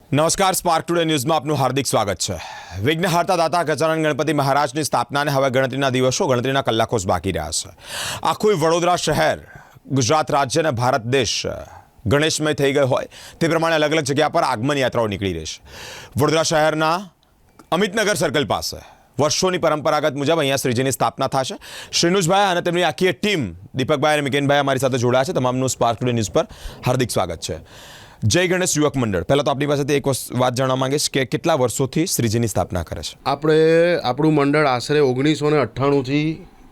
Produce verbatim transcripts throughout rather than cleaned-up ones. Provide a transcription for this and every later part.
નમસ્કાર, spark today ન્યૂઝમાં આપનું હાર્દિક સ્વાગત છે. વિઘ્નહર્તા દાતા ગજાનન ગણપતિ મહારાજની સ્થાપનાને હવે ગણતરીના દિવસો ગણતરીના કલાકો જ બાકી રહ્યા છે. આખું વડોદરા શહેર, ગુજરાત રાજ્ય અને ભારત દેશ ગણેશમય થઈ ગયો હોય તે પ્રમાણે અલગ અલગ જગ્યા પર આગમન યાત્રાઓ નીકળી રહી છે. વડોદરા શહેરના અમિતનગર સર્કલ પાસે વર્ષોની પરંપરાગત મુજબ અહીંયા શ્રીજીની સ્થાપના થશે. શ્રીનુજભાઈ અને તેમની આખી ટીમ દીપકભાઈ અને મિકેનભાઈ અમારી સાથે જોડાયા છે. તમામનું સ્પાર્ક ટુડે ન્યૂઝ પર હાર્દિક સ્વાગત છે. જય ગણેશ યુવક મંડળ, પહેલાં તો આપણી પાસેથી એક વાત જાણવા માંગીશ કે કેટલા વર્ષોથી શ્રીજીની સ્થાપના કરે છે? આપણે આપણું મંડળ આશરે ઓગણીસો ને અઠ્ઠાણુંથી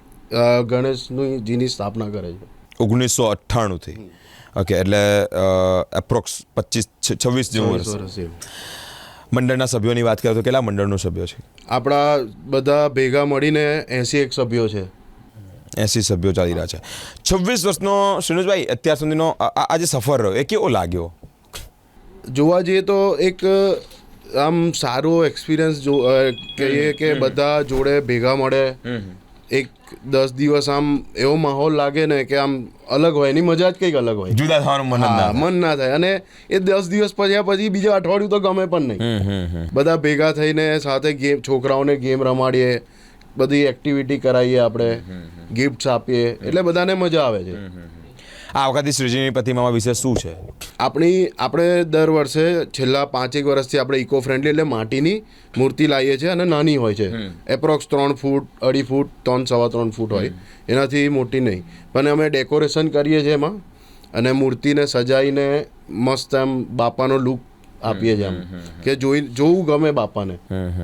ગણેશની જીની સ્થાપના કરે છે. ઓગણીસો અઠ્ઠાણુંથી ઓકે, એટલે એપ્રોક્સ પચીસ છવ્વીસ જેવું વર્ષ. મંડળના સભ્યોની વાત કરીએ તો કેટલા મંડળનો સભ્યો છે? આપણા બધા ભેગા મળીને એંસી એક સભ્યો છે. એંસી સભ્યો ચાલી રહ્યા છે. છવ્વીસ વર્ષનો શ્રીનુજભાઈ અત્યાર સુધીનો આ જે સફર રહ્યો એ કેવો લાગ્યો? જોવા જઈએ તો એક આમ સારો એક્સપિરિયન્સ જો કહીએ કે બધા જોડે ભેગા મળે, એક દસ દિવસ આમ એવો માહોલ લાગે ને કે આમ અલગ હોય, એની મજા જ કંઈક અલગ હોય, જુદા થવાનું મન ના મન ના થાય. અને એ દસ દિવસ પછી પછી બીજા અઠવાડિયું તો ગમે પણ નહીં. બધા ભેગા થઈને સાથે ગેમ, છોકરાઓને ગેમ રમાડીએ, બધી એક્ટિવિટી કરાવીએ, આપણે ગિફ્ટ્સ આપીએ, એટલે બધાને મજા આવે છે. આ વખતે શ્રીજીની પ્રતિમામાં વિશે શું છે? આપણી આપણે દર વર્ષે છેલ્લા પાંચેક વર્ષથી આપણે ઇકો ફ્રેન્ડલી એટલે માટીની મૂર્તિ લાવીએ છીએ અને નાની હોય છે, એપ્રોક્સ ત્રણ ફૂટ અઢી ફૂટ ત્રણ સવા ત્રણ ફૂટ હોય, એનાથી મોટી નહીં. પણ અમે ડેકોરેશન કરીએ છીએ એમાં અને મૂર્તિને સજાવીને મસ્ત આમ બાપાનો લુક આપીએ છીએ, આમ કે જોઈ જોવું ગમે બાપાને.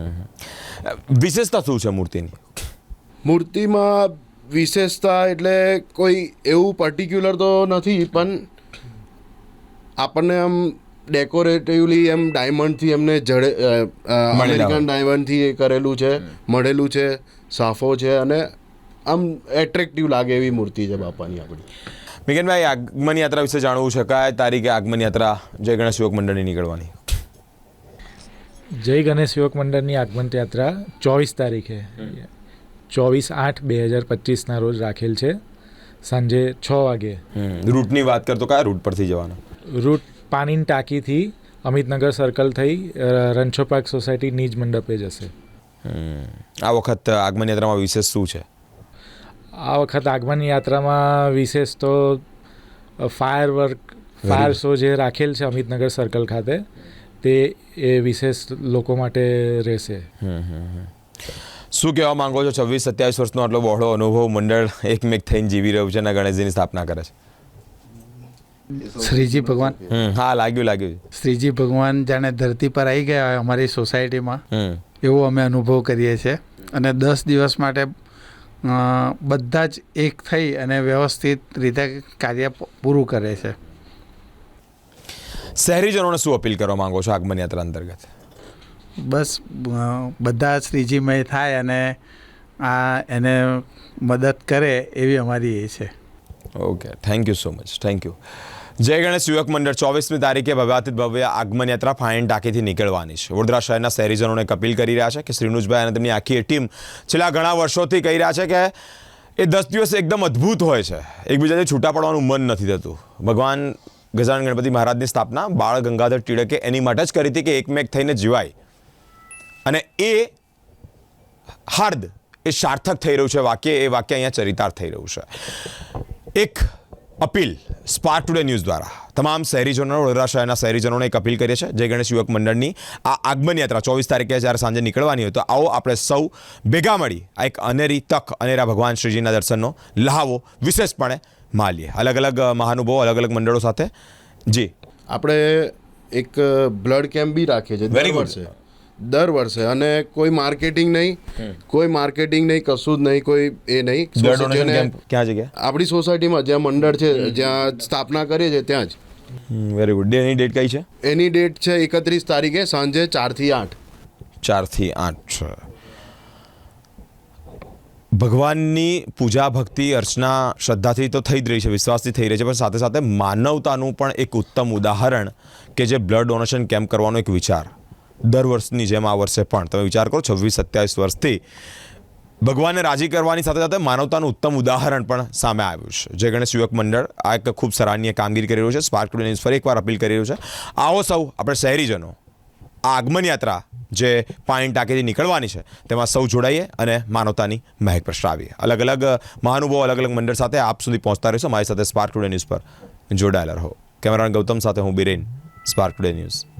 વિશેષતા શું છે મૂર્તિની? મૂર્તિમાં વિશેષતા એટલે કોઈ એવું પર્ટિક્યુલર તો નથી, પણ આપણને આમ ડેકોરેટિવલી એમ ડાયમંડથી એમને જડે અમેરિકન ડાયમંડથી એ કરેલું છે, મળેલું છે, સાફો છે અને આમ એટ્રેક્ટિવ લાગે એવી મૂર્તિ છે બાપાની આપણી. મિકેનભાઈ, આગમન યાત્રા વિશે જાણવું છે. કયા તારીખે આગમન યાત્રા જય ગણેશ યુવક મંડળની નીકળવાની? જય ગણેશ યુવક મંડળની આગમન યાત્રા ચોવીસ તારીખે ચોવીસ આઠ બે હજાર પચીસના રોજ રાખેલ છે, સાંજે છ વાગે. રૂટની વાત કરતો કયા રૂટ પરથી જવાના? રૂટ પાણીની ટાંકીથી અમિતનગર સર્કલ થઈ રણછો પાર્ક સોસાયટી નીજ મંડપે જશે. આ વખત આગમન યાત્રામાં વિશેષ શું છે? આ વખત આગમન યાત્રામાં વિશેષ તો ફાયર વર્ક ફાયર શો જે રાખેલ છે અમિતનગર સર્કલ ખાતે, તે એ વિશેષ લોકો માટે રહેશે. શું કહેવા માંગો છો? છવ્વીસ સત્યાવીસ વર્ષનો આટલો બહોળો અનુભવ, મંડળ એકમેક થઈને જીવી રહ્યું છે અને ગણેશજીની સ્થાપના કરે છે. શ્રીજી ભગવાન, હા, લાગ્યું લાગ્યું શ્રીજી ભગવાન જાણે ધરતી પર આવી ગયા હોય અમારી સોસાયટીમાં, એવો અમે અનુભવ કરીએ છીએ. અને દસ દિવસ માટે બધા જ એક થઈ અને વ્યવસ્થિત રીતે કાર્ય પૂરું કરે છે. શહેરીજનોને શું અપીલ કરવા માંગો છો આગમન યાત્રા અંતર્ગત? બસ બધા શ્રીજીમય થાય અને આ એને મદદ કરે એવી અમારી એ છે. Okay, thank you so much, thank you. જય ગણેશ યુવક મંડળ ચોવીસમી તારીખે ભવ્યાતિત ભવ્ય આગમન યાત્રા ફાઇન ટાંકીથી નીકળવાની છે. વડોદરા શહેરના શહેરીજનોને અપીલ કરી રહ્યા છે કે શ્રીનુજભાઈ અને તેમની આખી ટીમ છેલ્લા ઘણા વર્ષોથી કહી રહ્યા છે કે એ દસ દિવસ એકદમ અદ્ભુત હોય છે, એકબીજાથી છૂટા પડવાનું મન નથી થતું. ભગવાન ગજાનન ગણપતિ મહારાજની સ્થાપના બાળ ગંગાધર ટિળકે એની માટે જ કરી હતી કે એકમેક થઈને જીવાય, અને એ હાર્દ એ સાર્થક થઈ રહ્યું છે વાક્ય, એ વાક્ય અહીંયા ચરિતાર્થ થઈ રહ્યું છે. એક અપીલ સ્પાર્ક ટુડે ન્યૂઝ દ્વારા તમામ શહેરીજનો, વડોદરા શહેરના શહેરીજનોને એક અપીલ કરીએ છીએ. જય ગણેશ યુવક મંડળની આ આગમન યાત્રા ચોવીસ તારીખે જ્યારે સાંજે નીકળવાની હોય તો આવો આપણે સૌ ભેગા મળી આ એક અનેરી તક, અનેરા ભગવાન શ્રીજીના દર્શનનો લહાવો વિશેષપણે માલીએ. અલગ અલગ મહાનુભાવો, અલગ અલગ મંડળો સાથે. જી, આપણે એક બ્લડ કેમ્પ બી રાખીએ છીએ દર વર્ષે દર વર્ષે અને કોઈ માર્કેટિંગ નહીં, કોઈ માર્કેટિંગ નહીં, કશું જ નહીં, કોઈ એ નહીં. ક્યાં જગ્યા? આપણી સોસાયટીમાં જ્યાં મંડળ છે, જ્યાં સ્થાપના કરીએ છીએ ત્યાં જ. Very good. એની ડેટ કઈ છે? એની ડેટ છે એકત્રીસ તારીખે સાંજે ચારથી આઠ ચારથી આઠ. ભગવાનની પૂજા, ભક્તિ, અર્ચના શ્રદ્ધાથી તો થઈ જ રહી છે, વિશ્વાસથી થઈ રહી છે, પણ સાથે સાથે માનવતાનું પણ એક ઉત્તમ ઉદાહરણ કે જે બ્લડ ડોનેશન કેમ્પ કરવાનો એક વિચાર દર વર્ષની જેમ આ વર્ષે પણ તમે વિચાર કરો, છવ્વીસ સત્યાવીસ વર્ષથી ભગવાનને રાજી કરવાની સાથે સાથે માનવતાનું ઉત્તમ ઉદાહરણ પણ સામે આવ્યું છે. જય ગણેશ યુવક મંડળ આ એક ખૂબ સરાહનીય કામગીરી કરી રહ્યું છે. સ્પાર્ક ટુડે ન્યૂઝ ફરી એકવાર અપીલ કરી રહ્યું છે, આવો સૌ આપણે શહેરીજનો આ આગમન યાત્રા જે પાણી ટાંકીથી નીકળવાની છે તેમાં સૌ જોડાઈએ અને માનવતાની મહેક પ્રસરાવીએ. અલગ અલગ મહાનુભાવો અલગ અલગ મંડળ સાથે આપ સુધી પહોંચતા રહીશું. મારી સાથે સ્પાર્ક ટુડે ન્યૂઝ પર જોડાયેલા રહો. કેમેરામેન ગૌતમ સાથે હું બિરેન, સ્પાર્ક ટુડે ન્યૂઝ.